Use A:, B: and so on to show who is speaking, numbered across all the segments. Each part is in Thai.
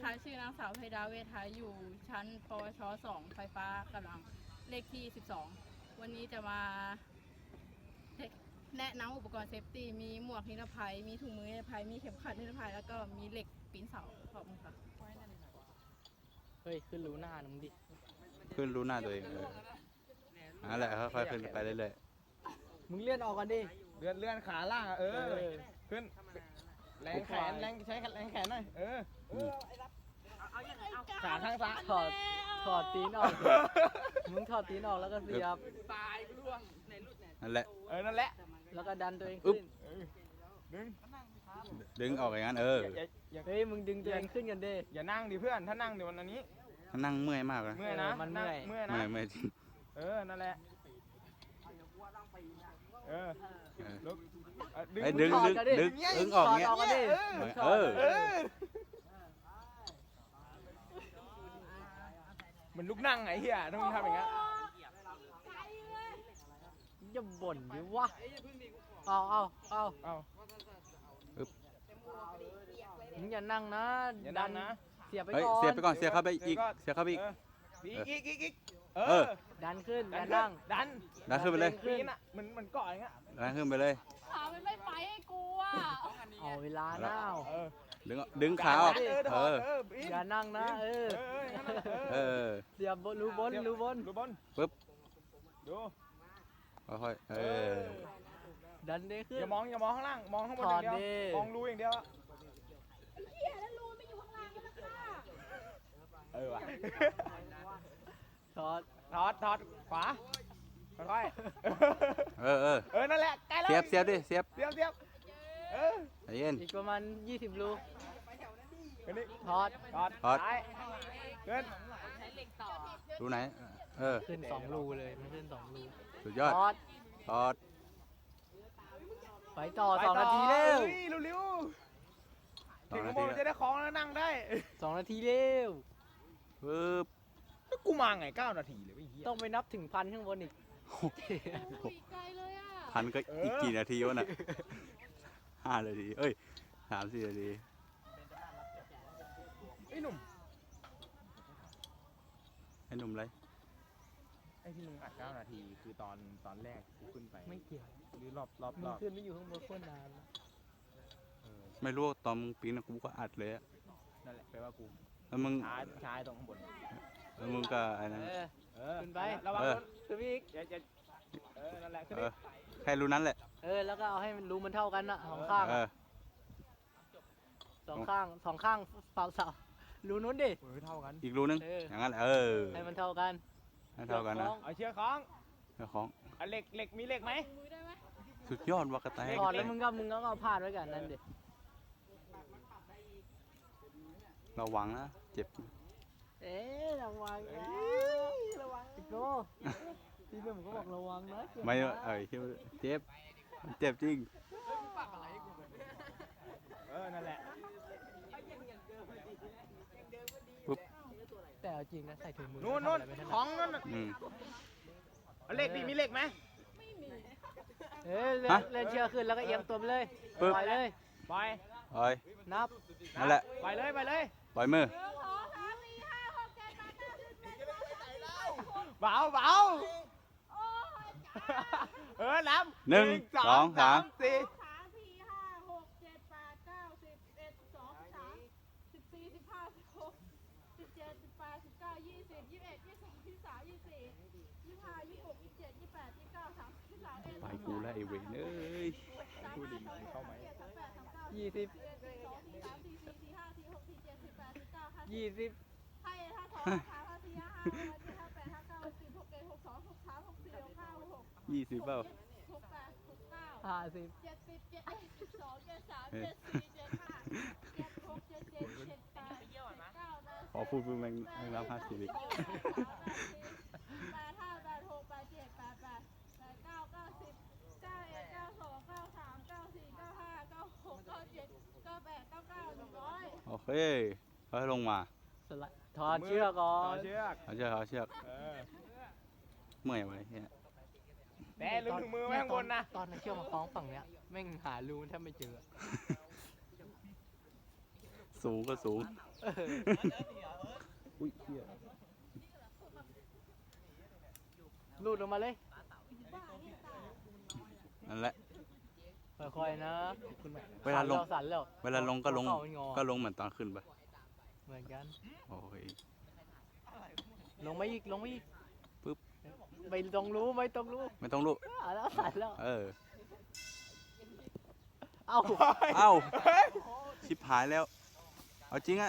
A: นะคะชื่อนางสาวไพดาเวทาอยู่ชั้นปวช2ไฟฟ้ากำลังเลขที่12วันนี้จะมาแนะนำอุปกรณ์เซฟตี้มีหมวกนิรภัยมีถุงมือนิรภัยมีเข็มขัดนิรภัยแล้วก็มีเหล็กปีนเสาขอบคุณค่ะ
B: เฮ้ยขึ้นรู้หน้ามึงดิ
C: ขึ้นรู้หน้าตัวเองนั่นแหละค่อยๆขึ้นไปเรื่อย
B: มึงเลื่อนออกกันดิ
D: เลื่อนขาล่างอ่ะขึ้นแรงแขนใช้แรงแขนหน่อยขาข้างซ้าย
B: ถอดตีนออกดิมึงถอดตีนออกแล้วก็เสียบ
C: นั่นแหละ
D: นั่นแหละ
B: แล้วก็ดันตัวเองขึ้น
C: ดึงออกอย่างนั้น
D: อย่า
B: เฮ้ยมึงดึงตัวเองขึ้นกันดิ
D: อย่านั่งดิเพื่อนถ้านั่งเดี๋ยววันนี้
C: นั่งเมื่อยมากเลย
D: เมื่อยนะ
B: มันเมื่อย
D: เมื่อยนะ
C: ไม่จริง
D: นั่นแหละลุก
C: ดึงออกเงี้ย
B: ถอดออกกันดิ
D: มันลุกนั่งไงเฮียต้องทำอย่างเงี้ย
B: อย่าบ่นดิวะเอา มึงอย่านั่งนะ
D: อย่านั่งนะ
B: เสียบไป
C: เฮ้ย
B: ก่อน
C: เสียบไปก่อนเสียบเข้าไปอีกเสียบเข้าไปอีก
D: อีก
B: ดันขึ้นอย่านั่ง
D: ดัน
C: ขึ้นไปเลย
D: ปีนอ่ะมันเกาะอย่างเงี้ย
C: ดันขึ้นไปเลย
A: ขามันไม่ไปให้กูอ่ะ
B: เอาเวลาหน้า
C: ดึงขาออก
B: อย่านั่งนะเสียบรูบน
C: ปึ๊บ
D: ดู
C: ค่อย
B: ดันได้ขึ้น
D: อย่ามองข้างล่างมองข้างบนอย่างเดียวมองรูอย่างเดียว
A: เหี้ยแล้วรูไม่อยู่ข้างล่างกันนะคะ
D: ว่ะ
B: ถอด
D: ถอดขวาค่อยนั่นแหละใกล้แล้ว
C: เสียบดิเสียบ ใจเย็น
B: อีกประมาณ20 รู ถอด
D: ซ้ายขึ้น
C: รูไหน
B: ขึ้น2 รูเลยมันขึ้น2 รู
C: สุดยอด ถอด
B: ไปต่อ2 นาทีเร็ว
D: เร็วถึงข้างบนจะได้คล้องแล้วนั่งได้
B: 2 นาทีเร็ว
C: ปึ๊บ
D: กูมาไง9 นาทีเลยไอ้เหี้ย
B: ต้องไปนับถึง1,000ข้างบนอีก
A: ไกลเลยอ่ะ
C: พันก็อีกกี่นาทีวะน่ะ5 นาที3-4 นาที
D: ไอ้หนุ่ม
C: ไอ้หนุ่มไร
D: ไอ้ที่มึงอัด9 นาทีคือตอนแรกกูขึ้นไป
B: ไม่เกี่ยว
D: หรือรอบ
B: มึงขึ้นไม่อยู่ข้างบนโคตรนาน
C: ไม่รู้ตอนมึงปีนกูก็อัดเลย
D: นั่นแหละแปลว่ากู
C: แล้วมึง
D: ช้าตรงข้างบน
C: แล้วมึงก็ไอ้นั้น
B: ขึ้นไป
D: ระวังรถ
B: ขึ้นไปอีก
D: นั่นแหละขึ้น
C: แค่รู้นั้นแหละ
B: แล้วก็เอาให้มันรูมันเท่ากันนะ2 ข้างสองข้างเสารูนู้นดิ
D: เท่ากัน
C: อีกรูนึงอย่างนั้น
B: ให้มันเท่ากัน
C: ให้เท่ากันนะ
D: เอาเชือกคล้อง
C: เจ้าของ
D: เหล็กมีเหล็กไหม
A: มือได้ไหม
C: สุดยอดวักกะแต
B: ถอดแล้วมึงก็เอาพาดไว้กันนั่นดิ
C: ระวังนะเจ็บ
B: ระวังโก้พี่หนุ่มก็บอกระวังนะ
C: ไม่เจ็บมันเจ็บจริง
D: นั่นแหละ
B: แต่เอาจริงนะใส่ถุงมือ
D: นู่นคล้องนั่นเหล็กดิมีเหล็กไหม
B: เล่นเชือกขึ้นแล้วก็เอียงตัวไปเลยปล่อยเลย
D: ปล่อย
B: นับ
C: นั่นแหละ
D: ปล่อยเลย
C: ปล่อยมือ
D: เบานับ
C: 1 2 3
A: 3 4 5 6 7 8 9 10 11 12 13 14 15 16 17 18 19 20 21 22 23 24 25 26 27 28 29 30 31
C: ไปกูแล้วไอ้เวนเอ้ย
B: 20 20
A: ให้ถ้าสองขาถ้าสี่ห้าถ้าแปดถ้าเก้าสิบหกเอ็ดหกสองหกสามหกสี่หกห้าหกหก
C: 20เปล่า
A: หกแปดหกเก้า
B: 50
A: 70 71 72 73 74 75 76 77 78 79
C: ขอพูดแม่งรับ50อีก
A: 85 86 87 88 89 90 91 92 93 94 95 96 97 98 99 100
C: โอเคค่อยลงมา
B: ถอดเชือกก่อน
D: เชือก
C: เอาเชือกเมื่อยไว้เนี่ย
D: แต่ลืมถุงมือไว้ข้างบนนะ
B: ตอนเชือกมาคล้องฝั่งเนี้ยแม่งหารูแทบไม่เจอ
C: สูงก็สูง
B: อุ้ยเหี้ย
D: ลูดลงมาเลย
C: นั่นแหละ
D: ค่อยๆนะ
C: เวลาลง
D: สั่นแล้ว
C: เวลาลงก็ลง
D: หัวเข่ามันงอ
C: ก็ลงเหมือนตอนขึ้นไป
D: เหมือนกัน
C: โอ้ย
D: ลงมาอีก ลงมาอีก
C: ปึ๊บ
D: ไม่ต้องรู้ ไม่ต้องรู้
C: ไม่ต้องลุก
D: แล้วสั่นแล้ว
C: เออ
D: เอ้า
C: เอ้า ชิบหายแล้ว เอาจริงอะ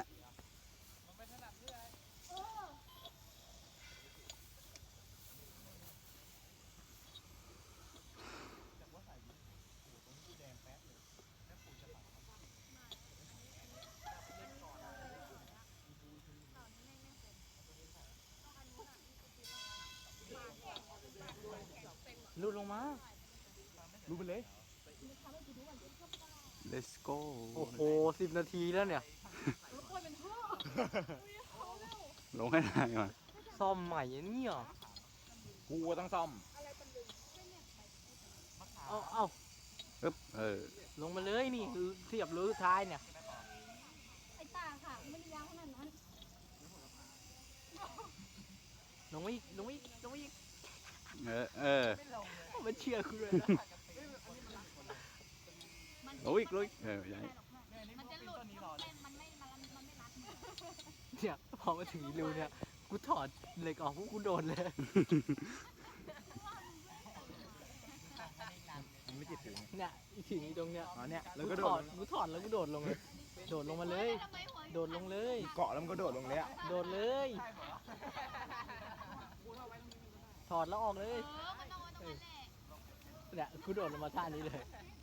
D: ลูดลงมา
B: รู้ไปเลย
C: let's go
D: โอ้โห10 นาทีแล้วเนี่ย
A: แล้วค่อยเป็นท่อ
C: ลงให้ได้มา
D: ซ่อมใหม่อันนี้เหรอ
B: กูต้องซ่อม
D: เอ้า
C: ปึ๊บ เออ
D: ลงมาเลยนี่เสียบรูสุดท้ายเนี่ย
A: ไอ้ตาค่ะไม่ได้ยาวขนาดนั้น
D: ลงมาอีก ลงมาอีก ลงมาอีก
C: เออ เออ
D: มันเชื่อคุณเลยนะ
C: ลงอีกลงอีกเออใหญ่
A: มันจะหลุดมันไม่รัด
D: เนี่ยพอมาถึงอีรูเนี่ย กูถอดเหล็กออกพวกกูโดนเลย
B: มันไม่จิตถึง
D: เนี่ยอีถึงอีตรงเนี้ย
B: อ๋อเนี่ยแล้ว
D: กู
B: ก็โด
D: ถอ
B: ด
D: ดกูถอดแล้วกูโดดลงเลย โดดลงมาเลย โดดลงเลย
B: เกาะแล้วมันก็โดดลงเลยอะ
D: โดดเลย ถอดแล้วออกเลย เนี่ยกูโดดลงมาท่านี้เลย
A: เ